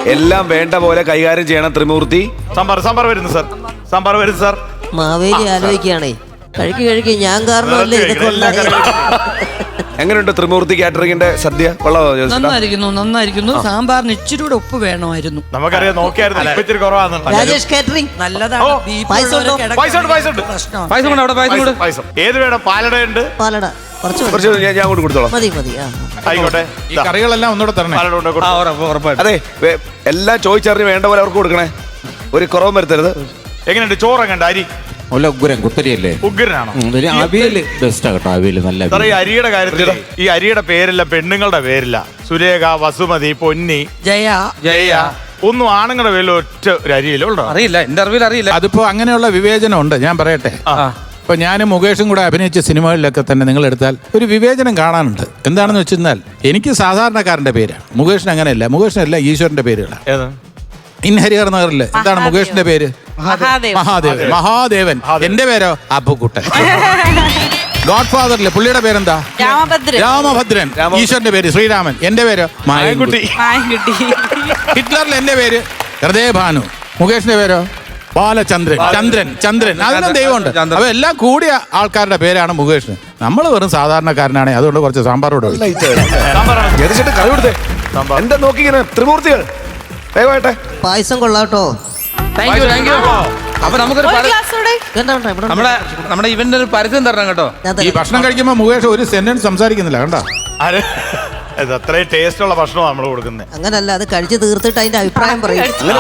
എല്ലാം വേണ്ട പോലെ കൈകാര്യം ചെയ്യണം ത്രിമൂർത്തി. സാമ്പാർ വരുന്നു സാർ. മാവേലി ആലോചിക്കുകയാണേ. കഴിക്ക് ഞാൻ കാരണമല്ലേ ഇതൊക്കെ ഉണ്ടായത്. എങ്ങനെയുണ്ട് ത്രിമൂർത്തി കാറ്ററിംഗിന്റെ സദ്യ? നന്നായിരിക്കുന്നു. സാമ്പാറിന് ഇച്ചിരി കൂടെ ഉപ്പ് വേണമായിരുന്നു. നമുക്കറിയാം, നോക്കിയായിരുന്നു. രാജേഷ് കാറ്ററിംഗ് നല്ലതാണ്. ഏത് വേണം? പാലടയുണ്ട്. പാലട കുറച്ച് ഞാൻ അങ്ങോട്ട് കൊടുത്തോളാം. മതി. ആയിക്കോട്ടെ. ഈ കറികളെല്ലാം ഒന്നുകൂടെ തരണേ. അതെ, എല്ലാം ചോദിച്ചറിഞ്ഞ് വേണ്ട പോലെ അവർക്ക് കൊടുക്കണേ. ഒരു കുറവും വരുത്തരുത്. എങ്ങനെയുണ്ട് ചോറ്? എങ്ങനെയുണ്ട് അരി? ഉഗ്രൻ കുത്തരിയല്ലേ? ഉഗ്രനാണോ? അവിയല് ബെസ്റ്റാ കേട്ടോ. അവിയല് നല്ല. ഈ അരിയുടെ കാര്യത്തിൽ ഈ അരിയുടെ പേരില്ല, പെണ്ണുങ്ങളുടെ പേരില്ല. സുരേഖ, വസുമതി, പൊന്നി, ജയ ഒന്നും ആണുങ്ങളുടെ പേരിൽ ഒറ്റ ഒരു അരിയിലുണ്ടോ? അറിയില്ല, എന്റെ അറിവിൽ അറിയില്ല. അതിപ്പോ അങ്ങനെയുള്ള വിവേചനം ഉണ്ട്. ഞാൻ പറയട്ടെ, ഇപ്പൊ ഞാനും മുകേഷും കൂടെ അഭിനയിച്ച സിനിമകളിലൊക്കെ തന്നെ നിങ്ങൾ എടുത്താൽ ഒരു വിവേചനം കാണാനുണ്ട്. എന്താണെന്ന് വെച്ചാൽ എനിക്ക് സാധാരണക്കാരന്റെ പേരാണ്. മുകേഷിന് അങ്ങനെയല്ല. മുകേഷിനല്ല, ഈശ്വരന്റെ പേരുകളാണ്. ഹരിഹർ നഗറില് എന്താണ് മുകേഷിന്റെ പേര്? മഹാദേവൻ. എന്റെ പേരോ അപ്പുക്കുട്ടൻ. ഗോഡ് ഫാദറിലെ പുള്ളിയുടെ പേരെന്താ? രാമഭദ്രൻ. ഈശ്വരന്റെ പേര് ശ്രീരാമൻ. എന്റെ പേരോ മായൻകുട്ടി. ഹിറ്റ്ലറിൽ എന്റെ പേര് ഹൃദയഭാനു. മുകേഷിന്റെ പേരോ ചന്ദ്രൻ. അതിനും ദൈവമുണ്ട്. അപ്പൊ എല്ലാം കൂടിയ ആൾക്കാരുടെ പേരാണ് മുകേഷിന്. നമ്മൾ വെറും സാധാരണക്കാരനാണ്. അതുകൊണ്ട് കുറച്ച് സാമ്പാറോട് എന്താ നോക്കിങ്ങനെ ത്രിമൂർത്തികൾ ദയവായിട്ടെ. പായസം കൊള്ളാട്ടോ. അപ്പൊ നമുക്കൊരു നമ്മുടെ ഇവന്റെ ഒരു പരസ്യം തരണം കേട്ടോ. ഈ ഭക്ഷണം കഴിക്കുമ്പോ മുകേഷ് ഒരു സെന്റൻസ് സംസാരിക്കുന്നില്ല കണ്ടോ? അത്രയും ടേസ്റ്റ് ഉള്ള ഭക്ഷണമാണ് നമ്മൾ കൊടുക്കുന്നത്. അങ്ങനല്ല, അത് കഴിച്ച് തീർത്തിട്ട് അതിന്റെ അഭിപ്രായം പറയും.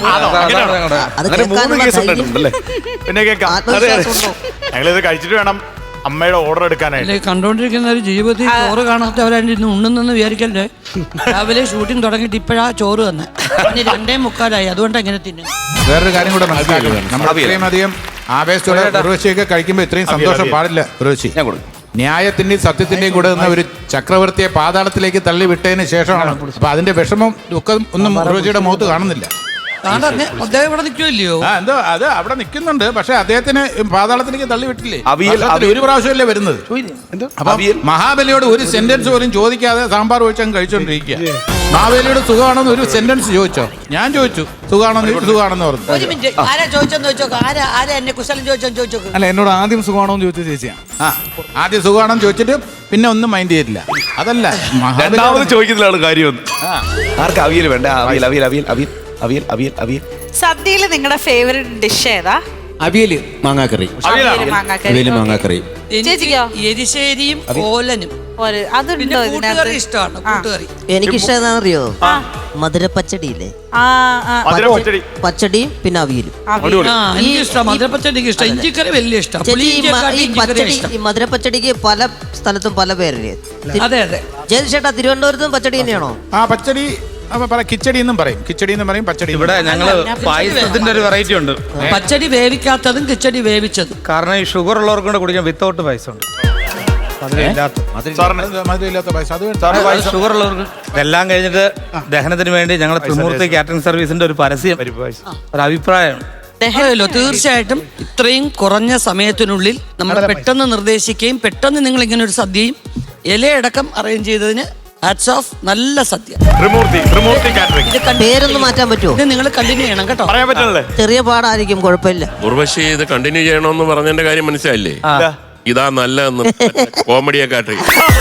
പിന്നെ ഞങ്ങളിത് കഴിച്ചിട്ട് വേണം അമ്മയുടെ ഓർഡർ എടുക്കാനായിട്ട്. കണ്ടോണ്ടിരിക്കുന്ന ഒരു ജീവിതത്തിൽ ചോറ് കാണാത്തവരായിട്ട് ഉണ്ണെന്ന് വിചാരിക്കല്ലേ. രാവിലെ ഷൂട്ടിംഗ് തുടങ്ങിയിട്ട് ഇപ്പോഴാ ചോറ് തന്നെ 2:45 അതുകൊണ്ട് എങ്ങനെ തിന്നും. വേറൊരു കാര്യം കൂടെ മനസ്സിലാക്കണം. നമ്മൾ ഇത്രയും അധികം ആവേശത്തോടെ ഉർവശിയൊക്കെ കഴിക്കുമ്പോൾ ഇത്രയും സന്തോഷം പാടില്ല. ഉർവശി ന്യായത്തിന്റെയും സത്യത്തിന്റെയും കൂടെ നിന്ന ഒരു ചക്രവർത്തിയെ പാതാളത്തിലേക്ക് തള്ളി വിട്ടതിന് ശേഷമാണ്. അപ്പൊ അതിന്റെ വിഷമം ദുഃഖം ഒന്നും ഉർവശിയുടെ മുഖത്ത് കാണുന്നില്ല. അദ്ദേഹം ഇവിടെ നിൽക്കുമല്ലയോ? എന്തോ അത് അവിടെ നിൽക്കുന്നുണ്ട്. പക്ഷെ അദ്ദേഹത്തിന് പാതാളത്തിലേക്ക് തള്ളി വിട്ടില്ലേ? ഒരു പ്രാവശ്യമല്ലേ വരുന്നത്. അപ്പൊ മഹാബലിയോട് ഒരു സെന്റൻസ് പോലും ചോദിക്കാതെ സാമ്പാർ ഒഴിച്ചങ്ങ് കഴിച്ചോണ്ടിരിക്കുക. മഹാബലിയോട് സുഖമാണെന്ന് ഒരു സെന്റൻസ് ചോദിച്ചോ? ഞാൻ ചോദിച്ചു സുഖമാണെന്ന് പറഞ്ഞു. അല്ല, എന്നോട് ആദ്യം സുഖമാണോന്ന് ചോദിച്ച ചേച്ചിയാണ്. ആദ്യം സുഖമാണെന്ന് ചോദിച്ചിട്ട് പിന്നെ ഒന്നും മൈൻഡ് ചെയ്തില്ല. അതല്ല, രണ്ടാമത് ചോദിക്കുന്നതാണ് കാര്യം. ആർക്കും അവിയൽ വേണ്ട? അവിയൽ. സദ്യയില് നിങ്ങളുടെ ഫേവറേറ്റ് ഡിഷ് ഏതാ? അവിയല് മാങ്ങാക്കറി. ചേച്ചിക്കോ? എരിശ്ശേരിയും ഓലനും. അതുണ്ടോ ഇതിനകത്ത്? ഇഷ്ടമാണ് കൂട്ടുകറി. എനിക്കിഷ്ടം എന്താണെന്നറിയോ? മധുരപ്പച്ചടിയില്ലേ? പച്ചടിയും പിന്നെ അവിയലും. മധുരപ്പച്ചടിക്ക് ഇഷ്ടം. ഇഞ്ചിക്കറി വലിയ ഇഷ്ടം. ഈ മധുരപ്പച്ചടിക്ക് പല സ്ഥലത്തും പല പേരല്ലേ? അതെ. ജയതിഷേട്ടാ, തിരുവനന്തപുരത്തും പച്ചടി തന്നെയാണോ? പച്ചടി കിച്ചടി എന്നും പറയും. പച്ചടി. ഇവിടെ ഞങ്ങള് പായസത്തിന്റെ ഒരു വെറൈറ്റി ഉണ്ട്. പച്ചടി വേവിക്കാത്തതും കിച്ചടി വേവിച്ചതും. കാരണം ഈ ഷുഗർ ഉള്ളവർക്ക് കൂടെ കുടിക്കാൻ വിത്തൗട്ട് പായസം ഉണ്ട്. മധുരമില്ലാത്ത പായസം. ഷുഗർ ഉള്ളവർക്ക്. ഇതെല്ലാം കഴിഞ്ഞിട്ട് ദഹനത്തിന് വേണ്ടി ഞങ്ങൾ ത്രിമൂർത്തി കാറ്ററിംഗ് സർവീസിന്റെ ഒരു പരസ്യം, ഒരു അഭിപ്രായമാണ്. തീർച്ചയായിട്ടും ഇത്രയും കുറഞ്ഞ സമയത്തിനുള്ളിൽ നമ്മൾ പെട്ടെന്ന് നിർദ്ദേശിക്കുകയും പെട്ടെന്ന് നിങ്ങൾ ഇങ്ങനെ ഒരു സദ്യയും ഇലയടക്കം അറേഞ്ച് ചെയ്തതിന് ഹാറ്റ്സ് ഓഫ്. നല്ല സദ്യ. പേരൊന്നും മാറ്റാൻ പറ്റുമോ? ഇത് നിങ്ങൾ കണ്ടിന്യൂ ചെയ്യണം കേട്ടോ. ചെറിയ പാടായിരിക്കും, കുഴപ്പമില്ല. ഉർവശി ഇത് കണ്ടിന്യൂ ചെയ്യണമെന്ന് പറഞ്ഞതിന്റെ കാര്യം മനസ്സിലായില്ലേ? ഇതാ നല്ലതെന്ന് കോമഡിയെ കാട്ടി.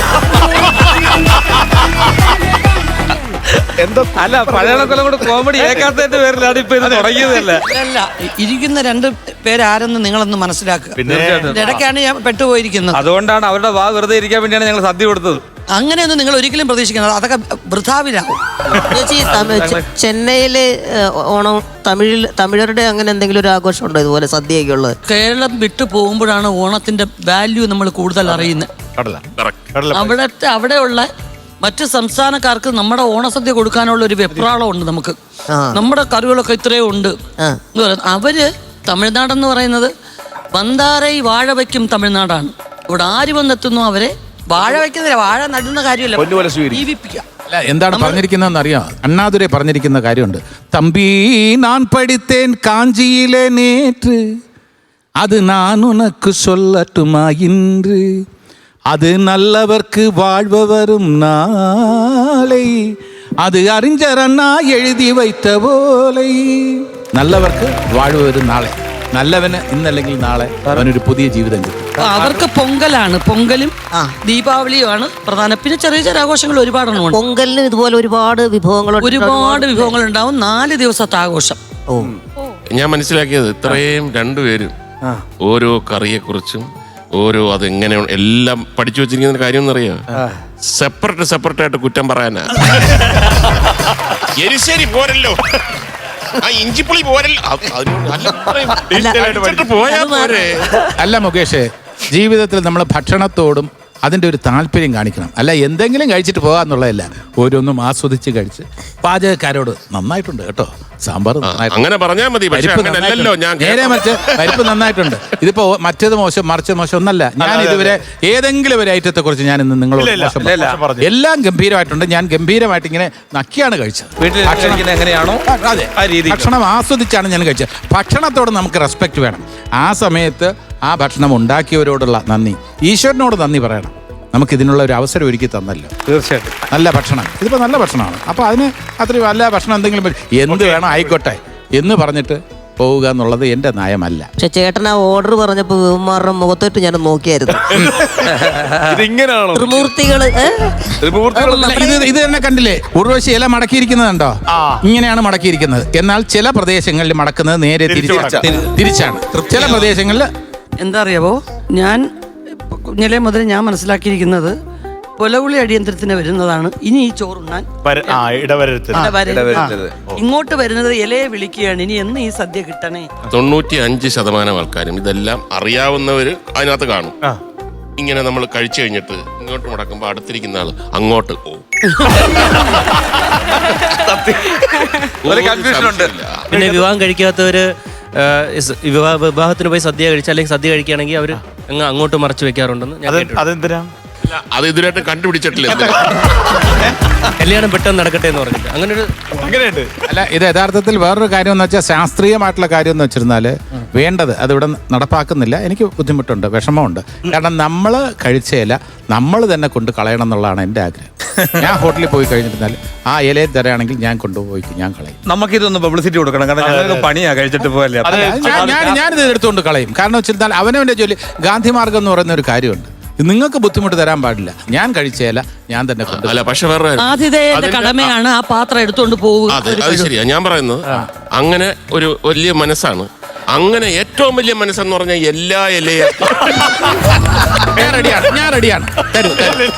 അല്ല, പഴയണക്കൊല്ലം കൂടെ കോമഡി ഏക്കാത്തതിന്റെ പേരിലാണ് ഇപ്പൊ ഇത് തുടങ്ങിയതല്ല. അല്ല, ഇരിക്കുന്ന 2 പേരാരെന്ന് നിങ്ങളൊന്ന് മനസ്സിലാക്കുക. ഇടയ്ക്കാണ് ഞാൻ പെട്ടുപോയിരിക്കുന്നത്. അതുകൊണ്ടാണ് അവരുടെ വാ വെറുതെ ഇരിക്കാൻ വേണ്ടിയാണ് ഞങ്ങൾ സദ്യ കൊടുത്തത്. അങ്ങനെയൊന്നും നിങ്ങൾ ഒരിക്കലും പ്രതീക്ഷിക്കുന്നത്, അതൊക്കെ വൃഥാവിലാവും. ചേച്ചി, ചെന്നൈയില് ഓണം തമിഴരുടെ അങ്ങനെ എന്തെങ്കിലും ഒരു ആഘോഷം ഉണ്ടോ ഇതുപോലെ സദ്യയൊക്കെ ഉള്ളത്? കേരളം വിട്ടു പോകുമ്പോഴാണ് ഓണത്തിന്റെ വാല്യൂ നമ്മൾ കൂടുതൽ അറിയുന്നത്. അവിടെയുള്ള മറ്റു സംസ്ഥാനക്കാർക്ക് നമ്മുടെ ഓണസദ്യ കൊടുക്കാനുള്ള ഒരു വെപ്രാളം ഉണ്ട്. നമുക്ക് നമ്മുടെ കറികളൊക്കെ ഇത്രയും ഉണ്ട്. അവര് തമിഴ്നാടെന്ന് പറയുന്നത് വന്താരൈ വാഴ വയ്ക്കും തമിഴ്നാടാണ്. ഇവിടെ ആര് വന്നെത്തുന്നു അവരെ വാഴ വയ്ക്കുന്നില്ല. വാഴ നടുന്ന കാര്യമല്ല, ജീവിപ്പിക്കുക. എന്താണ് പറഞ്ഞിരിക്കുന്നതെന്ന് അറിയാം? അണ്ണാതുരെ പറഞ്ഞിരിക്കുന്ന കാര്യമുണ്ട്. തമ്പി ഞാൻ പഠിത്തേൻ കാഞ്ചിയിലെ നേற்று, അത് நான் உனக்கு சொல்லட்டுமா இன்று, அது நல்லவர்க்கு வாழ்வு வரும் நாளை, അത് അറിഞ്ചറണ്ണ എഴുതി വയ്ത്ത പോലെ. നല്ലവർക്ക് വാഴുവൊരു നാളെ, നല്ലവന് ഇന്നല്ലെങ്കിൽ നാളെ അവനൊരു പുതിയ ജീവിതം കിട്ടും. അവർക്ക് പൊങ്കലാണ്, പൊങ്കലും ദീപാവലിയുമാണ് പ്രധാന. പിന്നെ ചെറിയ ചെറിയ ആഘോഷങ്ങൾ ഒരുപാടെണ്ണം. പൊങ്കലിന് ഇതുപോലെ ഒരുപാട് വിഭവങ്ങൾ ഉണ്ടാവും. 4 ദിവസത്തെ ആഘോഷം. ഞാൻ മനസ്സിലാക്കിയത് ഇത്രയും രണ്ടുപേരും ഓരോ കറിയെ കുറിച്ചും ഓരോ അതെങ്ങനെ എല്ലാം പഠിച്ചു വെച്ചിരിക്കുന്ന കാര്യം എന്നറിയാം. സെപ്പറേറ്റ് ആയിട്ട് കുറ്റം പറയാനാ. എരിശ്ശേരി പോരല്ലോ, ഇഞ്ചിപ്പുളി പോരല്ലോ, പോയാ പോരെ. അല്ല മുകേഷ്, ജീവിതത്തിൽ നമ്മൾ ഭക്ഷണത്തോടും അതിൻ്റെ ഒരു താല്പര്യം കാണിക്കണം. അല്ല എന്തെങ്കിലും കഴിച്ചിട്ട് പോകാന്നുള്ളതല്ല, ഓരോന്നും ആസ്വദിച്ച് കഴിച്ച്. പാചകക്കാരോട് നന്നായിട്ടുണ്ട് കേട്ടോ, സാമ്പാർ അങ്ങനെ പറഞ്ഞാൽ മതി. നേരെ മറിച്ച് പരിപ്പ് നന്നായിട്ടുണ്ട്. ഇതിപ്പോ മറ്റേത് മോശം മറിച്ച് മോശം ഒന്നല്ല. ഞാൻ ഇതുവരെ ഏതെങ്കിലും ഒരു ഐറ്റത്തെ കുറിച്ച് ഞാൻ ഇന്ന് നിങ്ങളോട് എല്ലാം ഗംഭീരമായിട്ടുണ്ട്. ഞാൻ ഗംഭീരമായിട്ട് ഇങ്ങനെ നക്കിയാണ് കഴിച്ചത്. എങ്ങനെയാണോ ഭക്ഷണം ആസ്വദിച്ചാണ് ഞാൻ കഴിച്ചത്. ഭക്ഷണത്തോട് നമുക്ക് റെസ്പെക്ട് വേണം. ആ സമയത്ത് ആ ഭക്ഷണം ഉണ്ടാക്കിയവരോടുള്ള നന്ദി, ഈശ്വരനോട് നന്ദി പറയണം. നമുക്ക് ഇതിനുള്ള ഒരു അവസരം ഒരുക്കി തന്നല്ലോ. തീർച്ചയായിട്ടും നല്ല ഭക്ഷണം, ഇതിപ്പോൾ നല്ല ഭക്ഷണമാണ്. അപ്പോൾ അതിന് അത്രയും നല്ല ഭക്ഷണം എന്തെങ്കിലും എന്ത് വേണം ആയിക്കോട്ടെ എന്ന് പറഞ്ഞിട്ട് പോവുക എന്നുള്ളത് എൻ്റെ നയമല്ല. പക്ഷെ ചേട്ടൻ ആ ഓർഡർ പറഞ്ഞപ്പോ വിവന്മാരുടെ മുഖത്തോട്ട് ഞാൻ നോക്കിയായിരുന്നു. ഇതിങ്ങനെയാണോ ത്രിമൂർത്തികള് ഇത് തന്നെ കണ്ടില്ലേ, ഉർവശി ഇല മടക്കിയിരിക്കുന്നതുണ്ടോ? ഇങ്ങനെയാണ് മടക്കിയിരിക്കുന്നത്. എന്നാൽ ചില പ്രദേശങ്ങളിൽ മടക്കുന്നത് നേരെ തിരിച്ചാണ്. ചില പ്രദേശങ്ങളിൽ എന്താ അറിയാവോ, ഞാൻ കുഞ്ഞിലെ മുതൽ ഞാൻ മനസ്സിലാക്കിയിരിക്കുന്നത് പുലവുളി അടിയന്തരത്തിന് വരുന്നതാണ് ഇനി ഈ ചോറുണ്ണാൻ ഇടവരരുത്. ഇങ്ങോട്ട് വരുന്നത് ഇലയെ വിളിക്കുകയാണ്, ഇനി എന്ന് ഈ സദ്യ കിട്ടണേ. 95% ആൾക്കാരും ഇതെല്ലാം അറിയാവുന്നവര് അതിനകത്ത് കാണും. ഇങ്ങനെ നമ്മൾ കഴിച്ചു കഴിഞ്ഞിട്ട് ഇങ്ങോട്ട് മുടക്കുമ്പോ അടുത്തിരിക്കുന്ന ആള് അങ്ങോട്ട് പോകും. പിന്നെ വിവാഹം കഴിക്കാത്തവര് വിവാഹത്തിന് പോയി സദ്യ കഴിച്ച അല്ലെങ്കിൽ സദ്യ കഴിക്കുകയാണെങ്കിൽ അവർ അങ്ങോട്ട് മറച്ചു വെക്കാറുണ്ടെന്ന് ഞാൻ അതെന്തിനാ? അത് ഇതുവരെയായിട്ട് കണ്ടുപിടിച്ചിട്ടില്ല. കല്യാണം പെട്ടെന്ന് നടക്കട്ടെ എന്ന് പറഞ്ഞിട്ട് അങ്ങനെയുണ്ട്. അല്ല, ഇത് യഥാർത്ഥത്തിൽ വേറൊരു കാര്യം എന്ന് വെച്ചാൽ ശാസ്ത്രീയമായിട്ടുള്ള കാര്യം എന്ന് വെച്ചിരുന്നാൽ വേണ്ടത് അതിവിടെ നടപ്പാക്കുന്നില്ല. എനിക്ക് ബുദ്ധിമുട്ടുണ്ട്, വിഷമമുണ്ട്. കാരണം നമ്മൾ കഴിച്ചയില നമ്മൾ തന്നെ കൊണ്ട് കളയണം എന്നുള്ളതാണ് എൻ്റെ ആഗ്രഹം. ഞാൻ ഹോട്ടലിൽ പോയി കഴിഞ്ഞിരുന്നാൽ ആ ഇലയിൽ തരാണെങ്കിൽ ഞാൻ കൊണ്ടുപോയി ഞാൻ കളയും. നമുക്കിതൊന്ന് പബ്ലിസിറ്റി കൊടുക്കണം, കാരണം പണിയാ കഴിച്ചിട്ട് പോയല്ലേ. ഞാനിത് എടുത്തുകൊണ്ട് കളയും. കാരണം വെച്ചിരുന്നാൽ അവനവൻ്റെ ജോലി. ഗാന്ധി മാർഗം എന്ന് പറയുന്ന ഒരു കാര്യമുണ്ട്. നിങ്ങൾക്ക് ബുദ്ധിമുട്ട് തരാൻ പാടില്ല. ഞാൻ കഴിച്ചേല ഞാൻ തന്നെ അല്ല, പക്ഷെ വേറെ ആതിഥേയന്റെ കടമയാണ് ആ പാത്രം എടുത്തുകൊണ്ട് പോവുക. അത് ശരിയാ. ഞാൻ പറയുന്നത് അങ്ങനെ ഒരു വലിയ മനസ്സാണ്. അങ്ങനെ ഏറ്റവും വലിയ മനസ്സെന്ന് പറഞ്ഞാൽ എല്ലാ ഇലയും ഞാൻ റെഡിയാണ്. തരൂ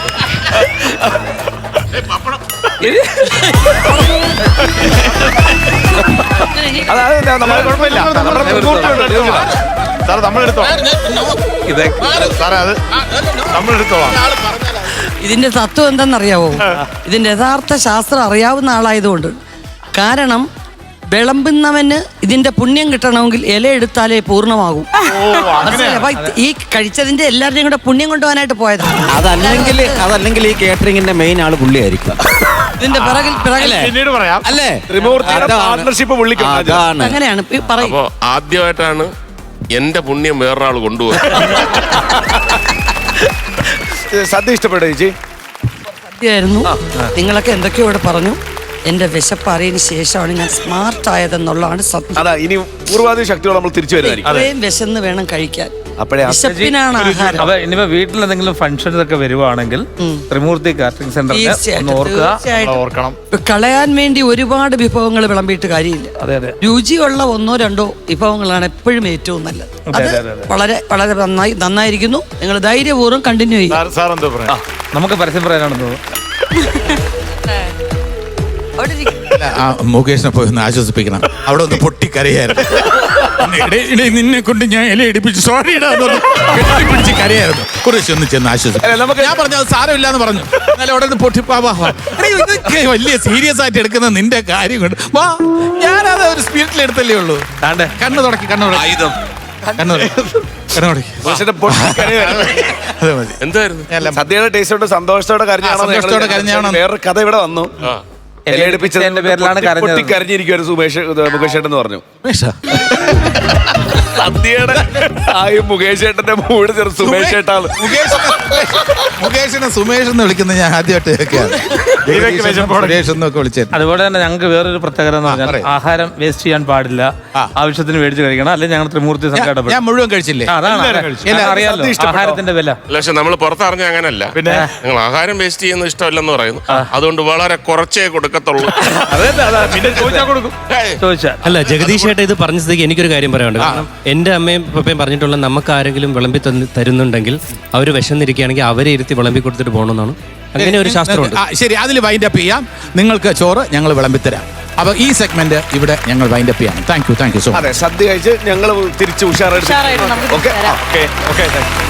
ഇതിന്റെ തത്വം എന്താണെന്നറിയാവോ? ഇതിന്റെ യഥാർത്ഥ ശാസ്ത്രം അറിയാവുന്ന ആളായതുകൊണ്ട്. കാരണം വിളമ്പുന്നവന് ഇതിന്റെ പുണ്യം കിട്ടണമെങ്കിൽ ഇല എടുത്താലേ പൂർണ്ണമാകും. ഈ കഴിച്ചതിന്റെ എല്ലാവരുടെയും കൂടെ പുണ്യം കൊണ്ടുപോകാനായിട്ട് പോയതാണ്. അതല്ലെങ്കിൽ ഈ കേറ്ററിംഗിന്റെ മെയിൻ ആള് പുള്ളിയായിരിക്കും. ഇതിന്റെ പിന്നീട് പറയാം അല്ലേ? പാർട്ണർഷിപ്പ് അങ്ങനെയാണ്. അപ്പോ ആദ്യമായിട്ടാണ് എന്റെ പുണ്യം വേറൊരാൾ കൊണ്ടുപോകും. സദ്യ ഇഷ്ടപ്പെട്ടോ ചേച്ചി? സദ്യയായിരുന്നു. നിങ്ങളൊക്കെ എന്തൊക്കെയോ ഇവിടെ പറഞ്ഞു. എന്റെ വിശപ്പറിയതിന് ശേഷമാണ് ഞാൻ സ്മാർട്ട് ആയതെന്നുള്ളതാണ് സത്യം. അതാ ഇനി പൂർവാധിക ശക്തിയോടെ നമ്മൾ തിരിച്ചു വരുന്നതായിരിക്കും. ഇത്രയും വിശന്ന് വേണം കഴിക്കാൻ. അപ്പോഴേ വിശപ്പിനാണ് ആഹാരം. അപ്പൊ ഇനിയിപ്പോ വീട്ടിൽ എന്തെങ്കിലും ഫംഗ്ഷൻസ് ഒക്കെ വരുവാണെങ്കിൽ ത്രിമൂർത്തി കാറ്ററിംഗ് സെന്ററിൽ ഓർക്കണം. കളയാൻ വേണ്ടി ഒരുപാട് വിഭവങ്ങൾ വിളമ്പിയിട്ട് കാര്യമില്ല. രുചിയുള്ള 1-2 വിഭവങ്ങളാണ് എപ്പോഴും ഏറ്റവും നല്ലത്. അത് വളരെ വളരെ നന്നായിരിക്കുന്നു. നിങ്ങൾ ധൈര്യപൂർവ്വം കണ്ടിന്യൂ ചെയ്യും. നമുക്ക് പരസ്യം പറയാനാണെന്ന് തോന്നുന്നു. മുകേഷിനെ പോയി ഒന്ന് ആശ്വസിപ്പിക്കണം. അവിടെ ഒന്ന് പൊട്ടിക്കരയായിരുന്നു. നിന്നെ കൊണ്ട് ഞാൻ ഇല ഇടിപ്പിച്ചു, സോറി പിടിച്ച് കരയായിരുന്നു. കുറച്ച് ഒന്ന് ചെന്ന് ആശ്വസിപ്പിക്കും. ഞാൻ പറഞ്ഞു അത് സാരമില്ല എന്ന് പറഞ്ഞു. എന്നാലും അവിടെ നിന്ന് പൊട്ടിപ്പാവാ വലിയ സീരിയസ് ആയിട്ട് എടുക്കുന്ന നിന്റെ കാര്യം കൊണ്ട് വാ. ഞാനത് ഒരു സ്പിരിറ്റിൽ എടുത്തല്ലേ ഉള്ളൂ. കണ്ണു തുടക്കി എന്തായിരുന്നു സദ്യയുടെ ടേസ്റ്റോടെ സന്തോഷത്തോടെ കരഞ്ഞാണോ വേറൊരു കഥ ഇവിടെ വന്നു. ഇലയടിപ്പിച്ചതിന്റെ പേരിലാണ് കരഞ്ഞത്. കരഞ്ഞിരിക്കുവായിരുന്നു മുകേഷ് ഏട്ടൻ എന്ന് പറഞ്ഞു. സുമേഷാ? സദ്യയുടെ മുകേഷ് ഏട്ടന്റെ മൂട് ചെറു സുമേഷ് ഏട്ടാണ്. മുകേഷിനെ സുമേഷ് എന്ന് വിളിക്കുന്നത് ഞാൻ ആദ്യമായിട്ട് കേൾക്കുകയാണ്. സുരേഷ് എന്നൊക്കെ വിളിച്ചത്. അതുപോലെ തന്നെ ഞങ്ങൾക്ക് വേറൊരു പ്രത്യേകത എന്ന് പറഞ്ഞാൽ ആഹാരം വേസ്റ്റ് ചെയ്യാൻ പാടില്ല. ആവശ്യത്തിന് മേടിച്ച് കഴിക്കണം, അല്ലെങ്കിൽ ഞങ്ങൾ ത്രിമൂർത്തി സംഘടന ഞാൻ മുഴുവൻ കഴിച്ചില്ലേ? അതാണ് അറിയാലോ ആഹാരത്തിന്റെ വില. പക്ഷെ നമ്മൾ പുറത്തറിഞ്ഞ അങ്ങനല്ല. പിന്നെ ഞങ്ങൾ ആഹാരം വേസ്റ്റ് ചെയ്യുന്നത് ഇഷ്ടമല്ലെന്ന് പറയുന്നു. അതുകൊണ്ട് വളരെ കുറച്ചേ കൊടുക്കത്തുള്ളൂ. പിന്നെ ചോദിച്ചാൽ കൊടുക്കും. ചോദിച്ചാൽ അല്ല, ജഗദീഷ് ചേട്ടാ ഇത് പറഞ്ഞ സ്ഥിതിക്ക് എനിക്കൊരു കാര്യം പറയാനുണ്ട്. കാരണം എൻ്റെ അമ്മയും പപ്പയും പറഞ്ഞിട്ടുള്ള നമുക്ക് ആരെങ്കിലും വിളമ്പി തരുന്നുണ്ടെങ്കിൽ അവർ വിശന്നിരിക്കുകയാണെങ്കിൽ അവരെ ഇരുത്തി വിളമ്പി കൊടുത്തിട്ട് പോകണമെന്നാണ്. അങ്ങനെ ഒരു ശാസ്ത്രമുണ്ട്. ശരി, അതിൽ വൈൻഡപ്പ് ചെയ്യാം. നിങ്ങൾക്ക് ചോറ് ഞങ്ങൾ വിളമ്പിത്തരാം. അപ്പൊ ഈ സെഗ്മെന്റ് ഇവിടെ ഞങ്ങൾ വൈൻഡപ്പ് ചെയ്യാം. Thank you so much. അതെ, സദ്യ കഴിച്ച് ഞങ്ങൾ തിരിച്ച് ഉഷാറായിട്ട് നമുക്ക് ഓക്കെ തരാം. ഓക്കെ